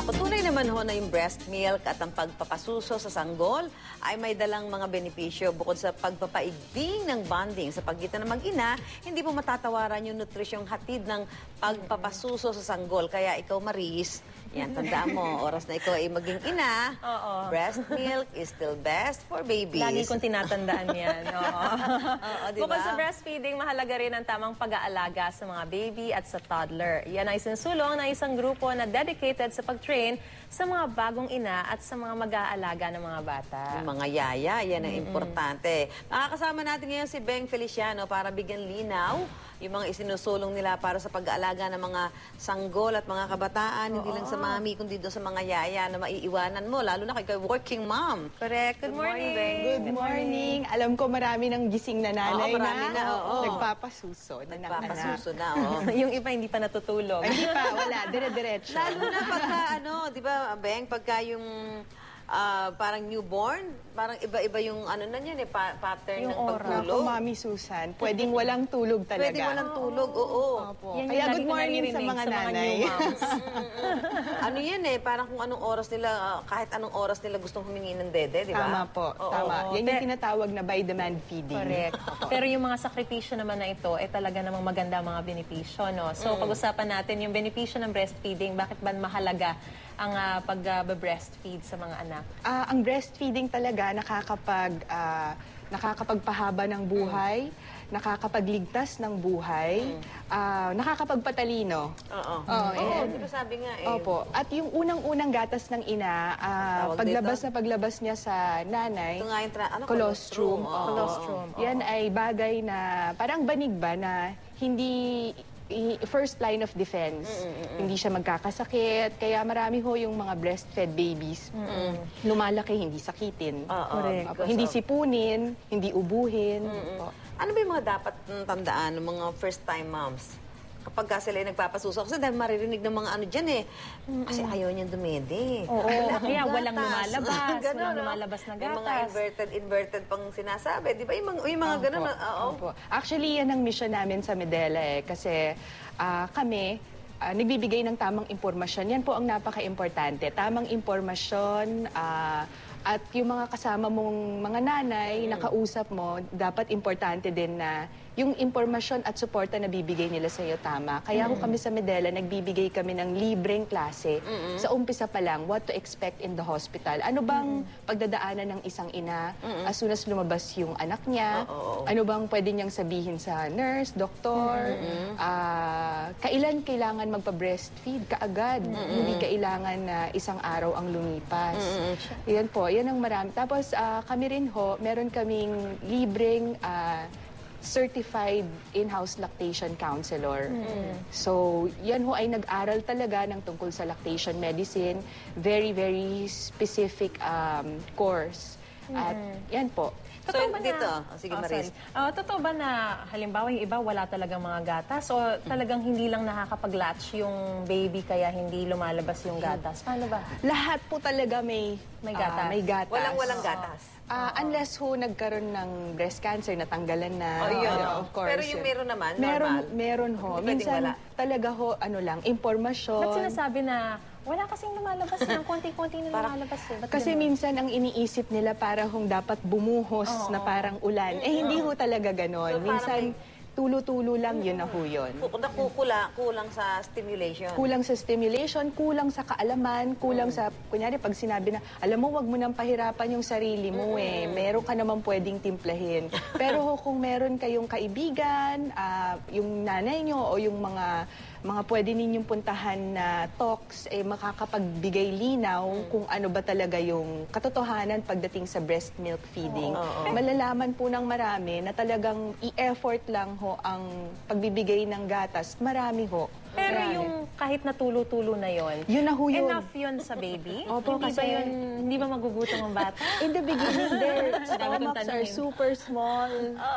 Patunay naman ho na yung breast milk at ang pagpapasuso sa sanggol ay may dalang mga benepisyo bukod sa pagpapaigting ng bonding sa pagitan ng mag-ina, hindi po matatawaran yung nutrisyong hatid ng pagpapasuso sa sanggol. Kaya ikaw, Maris, yan, tandaan mo, oras na ikaw ay maging ina, breast milk is still best for babies. Lagi kong tinatandaan yan. Diba? Bukod sa breastfeeding, mahalaga rin ang tamang pag-aalaga sa mga baby at sa toddler. Yan ay sinusulong ng isang grupo na dedicated sa pag-train sa mga bagong ina at sa mga mag-aalaga ng mga bata. Yung mga yaya, yan ang importante. Makakasama natin ngayon si Beng Feliciano para bigyan linaw yung mga isinusulong nila para sa pag-aalaga ng mga sanggol at mga kabataan, hindi lang sa mami, kundi doon sa mga yaya na maiiwanan mo, lalo na kay working mom. Correct. Good morning. Good morning. Alam ko marami ng gising na nanay marami na, nagpapasuso na ng anak. Nagpapasuso na, Yung iba hindi pa natutulog. Hindi pa, wala. Dire-diretso. Lalo na pagka, di ba, Beng, pagka yung parang newborn, parang iba-iba yung na niyan pattern Yung ng oras. pagtulog. Ako, Mami Susan, pwedeng walang tulog talaga. Pwedeng walang tulog, oo. Opo. Yan yung Kaya lagi good ko morning sa naririnig mga nanay. new moms. Ano yan parang kung anong oras nila, kahit anong oras nila gustong humingi ng dede, di ba? Tama po, Oo. tama. Yan yung tinatawag na by-demand feeding. Correct. Pero yung mga sakripisyo naman na ito, talaga namang maganda mga benepisyo, no? So, pag-usapan natin yung benepisyo ng breastfeeding, bakit ba mahalaga ang pag-breastfeed sa mga anak? Ang breastfeeding talaga nakakapagpahaba ng buhay, nakakapagligtas ng buhay, nakakapagpatalino. Oo. Di ba sabi nga Opo. At yung unang-unang gatas ng ina, paglabas niya sa nanay, Ito nga yung colostrum. Colostrum. Yan ay bagay na parang banig ba na hindi first line of defense. Hindi siya magkakasakit. Kaya marami ho yung mga breastfed babies. Lumalaki, hindi sakitin. Correct. Opo. Hindi sipunin, hindi ubuhin. Opo. Ano ba yung mga dapat tandaan ng mga first-time moms? Kapag sila ay nagpapasuso. Kasi dahil maririnig ng mga dyan kasi ayaw niyang dumede. Oo, kaya Gatas. walang lumalabas. Ganun, Walang lumalabas na Yung mga gatas. inverted pang sinasabi. Di ba? Yung mga ganun. Opo. Actually, yan ang mission namin sa Medela kasi kami, nagbibigay ng tamang impormasyon. Yan po ang napaka-importante. Tamang impormasyon, at yung mga kasama mong mga nanay, nakausap mo, dapat importante din na yung impormasyon at suporta na bibigay nila sa iyo tama. Kaya kung kami sa Medela, nagbibigay kami ng libreng klase sa umpisa pa lang, what to expect in the hospital. Ano bang pagdadaanan ng isang ina as soon as lumabas yung anak niya? Ano bang pwede niyang sabihin sa nurse, doktor? Kailan kailangan magpa-breastfeed? Kaagad. Hindi kailangan na isang araw ang lumipas. Yan po, yan ang marami. Tapos kami rin ho, meron kaming libreng certified in-house lactation counselor. So, yan ho ay nag-aral talaga ng tungkol sa lactation medicine. Very, very specific course. At yan po. So, dito. Sige, Maris. Totoo ba na, halimbawa, yung iba wala talagang mga gatas o talagang hindi lang nakakapag-latch yung baby kaya hindi lumalabas yung gatas? Paano ba? Lahat po talaga may gatas. may gatas. Walang gatas. Unless ho nagkaroon ng breast cancer, natanggalan na. Yun. Of course. Pero yung meron naman, normal. Meron ho. Hindi pwedeng Minsan wala. talaga ho, impormasyon. Ba't sinasabi na wala kasing lumalabas ng konti-konti na lumalabas eh? Kasi minsan ang iniisip nila parang hong dapat bumuhos na parang ulan. Hindi ho talaga ganon. So, Minsan tulo-tulo lang, yun na ho yun. Kulang sa stimulation. Kulang sa stimulation, kulang sa kaalaman, kulang sa, kunyari, pag sinabi na, alam mo, wag mo nang pahirapan yung sarili mo meron ka naman pwedeng timplahin. Pero ho, kung meron kayong kaibigan, yung nanay nyo o yung mga pwede ninyong puntahan na talks, makakapagbigay linaw kung ano ba talaga yung katotohanan pagdating sa breast milk feeding. Malalaman po ng marami na talagang i-effort lang ho ang pagbibigay ng gatas. Marami ho. Pero yung kahit na tulo-tulo na yon, yun na ho yun. enough yun sa baby? Opo, Hindi ba magugutom ang bata? In the beginning, their Dami kong stomachs are tanungin. super small.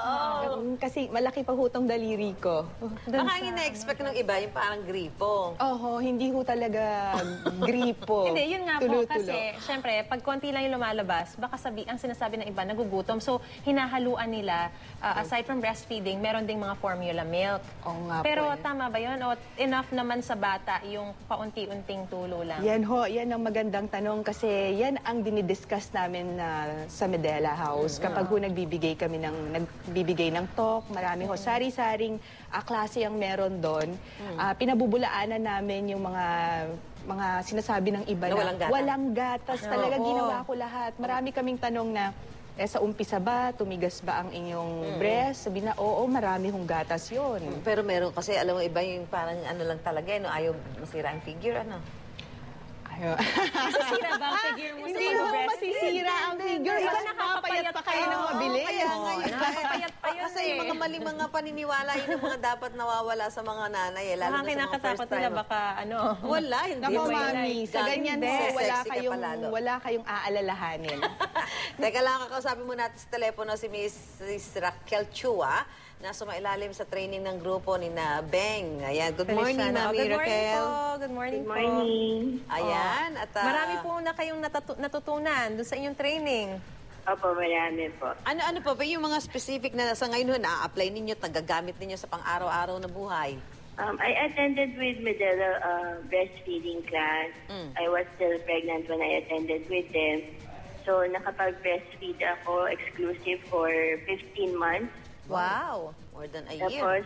Kasi malaki pa ho tong daliri ko. Baka ang ina-expect ng iba, yung parang gripo. Hindi ho talaga gripo. Hindi, yun nga po. Tulo-tulo. Kasi, syempre, pag konti lang yung lumalabas, baka ang sinasabi ng iba, nagugutom. So, hinahaluan nila, aside from breastfeeding, meron ding mga formula milk. Oo nga po Pero eh. tama ba yun? O enough naman sa bata bata yung paunti-unting tulo lang? Yan ho, yan ang magandang tanong kasi yan ang dinidiscuss namin sa Medela House. Kapag ho nagbibigay ng talk, marami ho, sari-saring klase ang meron doon. Pinabubulaanan namin yung mga sinasabi ng iba Na na walang gatas. walang gatas. Talaga Oo. ginawa ko lahat. Marami kaming tanong na, sa umpisa ba, tumigas ba ang inyong breast? Sabi na, oo, marami hong gatas yun. Pero meron kasi, alam mo, iba yung parang ano lang talaga, no? Ayaw masira ang figure, ano? Ayun. Masisira ba ang figure mo sa Hindi ho pag-breastfeed? masisira ang figure. Iba Mas nakakapayat papayat pa kayo ng pa. mabilis. Kaya nga yun. Nakakapayat pa yun Kasi yung mga maling mga paniniwala, yun ang mga dapat nawawala sa mga nanay, eh. Lalo Baka na sa mga kinakatakot first nila time. baka ano. Wala, hindi. Naku, May mami, sa like, ganyan hindi. ho, Sexy ka pa lalo. wala kayong aalalahanin. Teka lang, kakausapin mo natin sa telepono si Mrs. Raquel Chua na sumailalim sa training ng grupo ni na Beng. Ayan, good morning, Feliciana. Mami Good morning Raquel. po. Good morning, Good morning. Ayan, at Marami po na kayong natutunan doon sa inyong training. Opo, marami po. ano pa ba yung mga specific na sa ngayon na-apply ninyo, tagagamit ninyo sa pang-araw-araw na buhay? I attended with Medela breastfeeding class. I was still pregnant when I attended with them. So, nakapag-breastfeed ako exclusive for 15 months. Wow! More than a year. Tapos,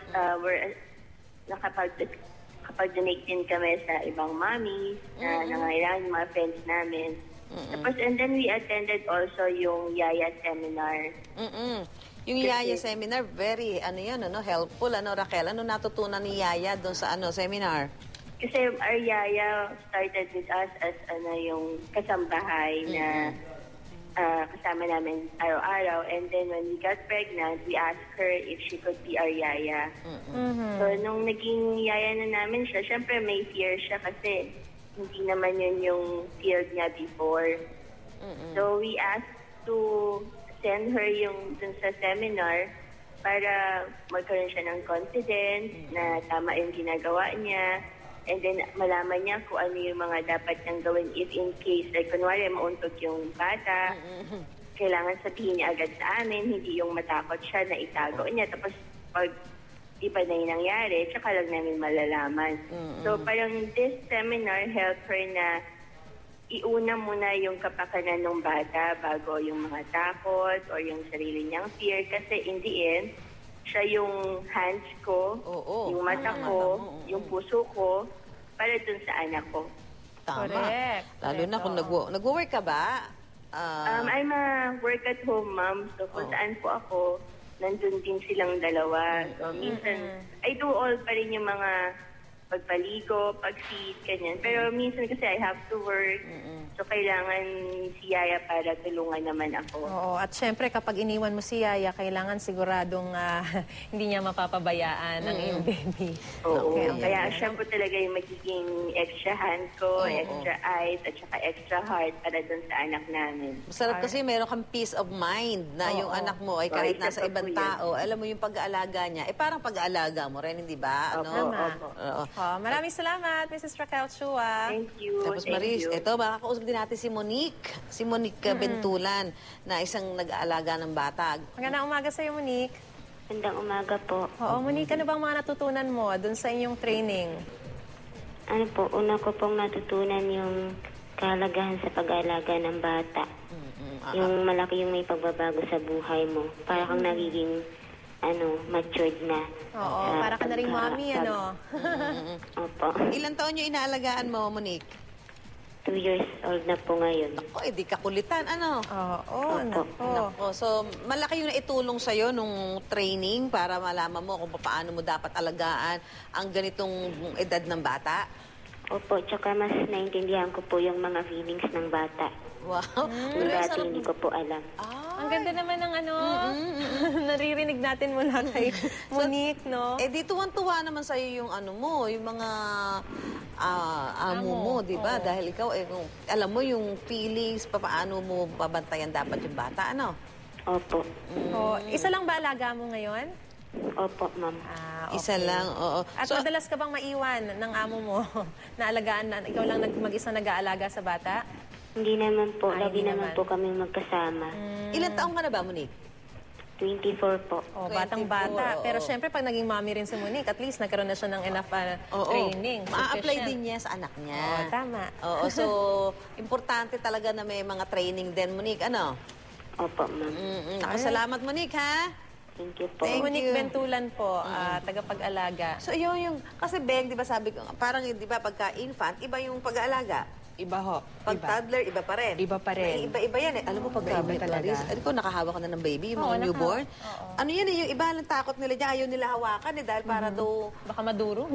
nakapag-donate din kami sa ibang mommies na nangailangan, yung mga friends namin. Tapos, and then we attended also yung Yaya seminar. Yung Yaya seminar, very, helpful, Raquel? Ano natutunan ni Yaya doon sa seminar? Kasi our Yaya started with us as yung kasambahay na kasama namin araw-araw. And then when we got pregnant, we asked her if she could be our Yaya. So nung naging Yaya na namin siya, syempre may fear siya kasi hindi naman yun yung field niya before. So we asked to send her yung dun sa seminar para magkaroon siya ng confidence na tama yung ginagawa niya. And then, malaman niya kung ano yung mga dapat niyang gawin if in case, like, kunwari, mauntog yung bata, kailangan sabihin niya agad sa amin, hindi yung matakot siya na itago niya. Tapos, pag iba na yung nangyari, tsaka lang namin malalaman. So, parang this seminar helped her na iuna muna yung kapakanan ng bata bago yung mga takot or yung sarili niyang fear. Kasi in the end, siya yung hands ko, yung mata ko, yung puso ko, para dun sa anak ko. Tama. Correct. Lalo na kung nag-work ka ba? I'm a work-at-home mom, so kung saan po ako, nandun din silang dalawa. So minsan, I do all pa rin yung mga pagpaligo, pag-feed, ganyan. Pero minsan kasi I have to work, so kailangan si Yaya para tulungan naman ako. Oo, at syempre kapag iniwan mo si Yaya, kailangan siguradong hindi niya mapapabayaan ang iyong baby. Oo, Okay, kaya siya po talaga yung magiging extra hand ko, extra eyes, at saka extra heart para dun sa anak namin. Masarap kasi meron kang peace of mind na yung anak mo ay kahit Isa nasa pa po ibang yan. tao, alam mo yung pag-aalaga niya, parang pag-aalaga mo rin, hindi ba? Opo, Tama. opo. Oo. Maraming salamat, Mrs. Raquel Chua. Thank you. Tapos thank Maris, you. ito, makakausap din natin si Monique Bentulan, na isang nag-aalaga ng bata. Magandang umaga sa iyo, Monique. Magandang umaga po. Oo, Monique, ano bang mga natutunan mo dun sa inyong training? Ano po, una ko pong natutunan yung kahalagahan sa pag-aalaga ng bata. Yung malaki yung may pagbabago sa buhay mo. Para kang nagiging matured na. Oo, para ka na ring mommy, ano? Opo. Ilan taon yung inaalagaan mo, Monique? 2 years old na po ngayon. O, di kakulitan, ano? Oo, nako. Nako, so malaki yung naitulong sa'yo nung training para malaman mo kung paano mo dapat alagaan ang ganitong edad ng bata? Opo, tsaka mas naintindihan ko po yung mga feelings ng bata. Wow. Yung dati hindi ko po alam. Ang ganda naman ng naririnig natin mula kay Monique, no? Eh di tuwan-tuwa naman sa'yo yung yung mga amo mo, di ba? Dahil ikaw, kung alam mo yung feelings, paano mo babantayan dapat yung bata, ano? Opo. Isa lang ba alaga mo ngayon? Opo, ma'am. Isa lang, oo. At madalas ka bang maiwan ng amo mo na alagaan na ikaw lang mag-isa nag-aalaga sa bata? Hindi naman po. Ay, Lagi hindi naman naman. po kami magkasama. Ilan taong ka na ba, Monique? 24 po. Oh, 24, batang-bata. oo. Pero syempre, pag naging mommy rin si Monique, at least nagkaroon na siya ng enough training. Ma-apply sufficient. din niya sa anak niya. Oo, tama. Oo, so importante talaga na may mga training din, Monique. Ano? Opo, ma'am. Ako, salamat, Monique, ha? Thank you po. Thank Monique you. Bentulan po, tagapag-alaga. So, yung, kasi Beng, di ba sabi ko, parang, di ba, pagka-infant, iba yung pag-aalaga. Iba ho. Pag Iba. toddler, iba pa rin. Iba pa rin. May iba-iba yan eh. Alam mo, pagka Iba talaga. Ano ko, nakahawak ka na ng baby, yung Oo, mga newborn. Oo. Ano yan eh, yung iba lang takot nila dyan, ayaw nila hawakan eh, dahil para daw... Baka madurog.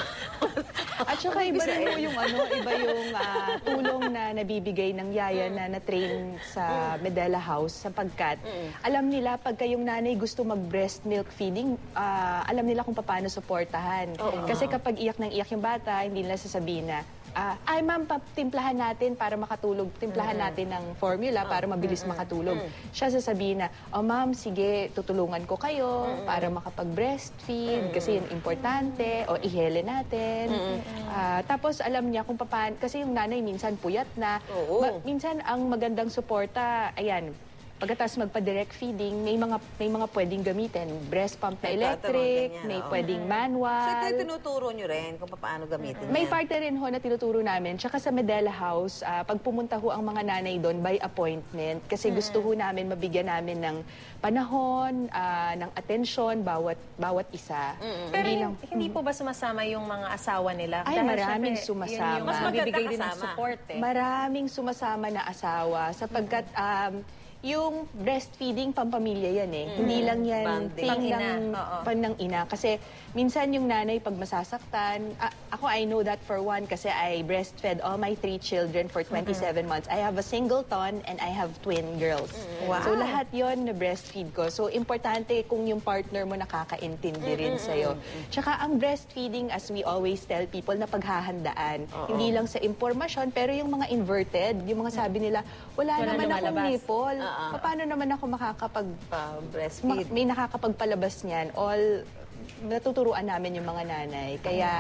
At saka iba rin ho yung iba yung tulong na nabibigay ng yaya na na-train sa Medela House sapagkat alam nila pagka yung nanay gusto mag-breast milk feeding, alam nila kung paano suportahan. Kasi kapag iyak ng iyak yung bata, hindi nila sasabihin na, ay ma'am, timplahan natin para makatulog. Timplahan natin ng formula para mabilis makatulog. Siya sasabihin na, oh ma'am, sige, tutulungan ko kayo para makapag-breastfeed kasi yun importante. O ihele natin. Tapos alam niya kung paano, kasi yung nanay minsan puyat na. Oo. Minsan ang magandang suporta, ayan, pagkatapos magpa-direct feeding, may mga pwedeng gamitin. Breast pump na May electric, ganyan, may oo. pwedeng So, manual. ito tinuturo nyo rin kung paano gamitin May yan. parte rin ho na tinuturo namin. Tsaka sa Medela House, pag pumunta ho ang mga nanay doon by appointment, kasi gusto ho namin mabigyan namin ng panahon, ng atensyon, bawat isa. Pero Hindi lang, hindi po ba sumasama yung mga asawa nila? Ay, Dahil maraming syempre, sumasama. Yun yung mas Mas magbibigay maganda din ng kasama. support eh. maraming sumasama na asawa sapagkat yung breastfeeding pampamilya yan eh. Hindi lang yan Bonding. thing Pang-ina, ng oo. ng ina. Kasi minsan yung nanay pag masasaktan, ako I know that for one kasi I breastfed all my 3 children for 27 months. I have a singleton and I have twin girls. Wow. So lahat yon na breastfeed ko. So importante kung yung partner mo nakakaintindi rin sa'yo. Tsaka ang breastfeeding, as we always tell people, na paghahandaan. Hindi lang sa impormasyon, pero yung mga inverted, yung mga sabi nila, wala Walang naman akong lumalabas. nipple. Paano naman ako breastfeed. may nakakapagpalabas niyan? All natuturuan namin yung mga nanay. Kaya,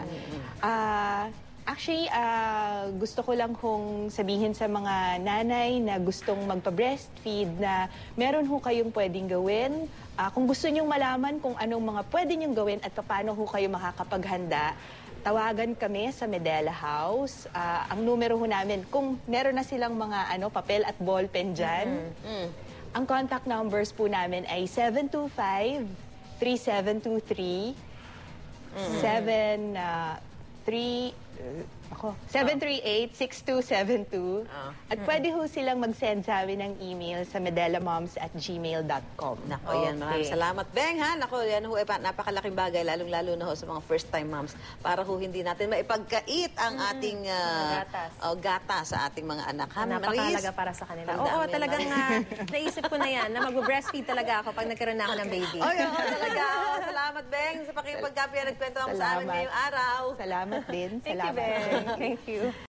actually, gusto ko lang kung sabihin sa mga nanay na gustong magpa-breastfeed na meron ho kayong pwedeng gawin. Kung gusto nyong malaman kung anong mga pwede nyong gawin at paano ho kayo makakapaghanda, tawagan kami sa Medela House. Ang numero ho namin, kung meron na silang mga papel at ballpen dyan, ang contact numbers po namin ay 725-3723, 738-6272. At pwede ho silang mag-send sa amin ng email sa medelamoms@gmail.com. Nako, yan. Maraming salamat. Beng, ha? Nako, yan ho, napakalaking bagay, lalong-lalo na ho sa mga first-time moms, para ho hindi natin maipagkait ang ating gata sa ating mga anak. Ha, Napakahalaga para sa kanila. Ang Oo, dami talagang naisip ko na yan, na mag-breastfeed talaga ako pag nagkaroon na ako ng baby. Oy, oo, talaga. Salamat, Beng, sa pakipagkapi na nagkwento mo sa amin Salamat. ngayong araw. Salamat din. Thank you, Salamat. Ben. Thank you.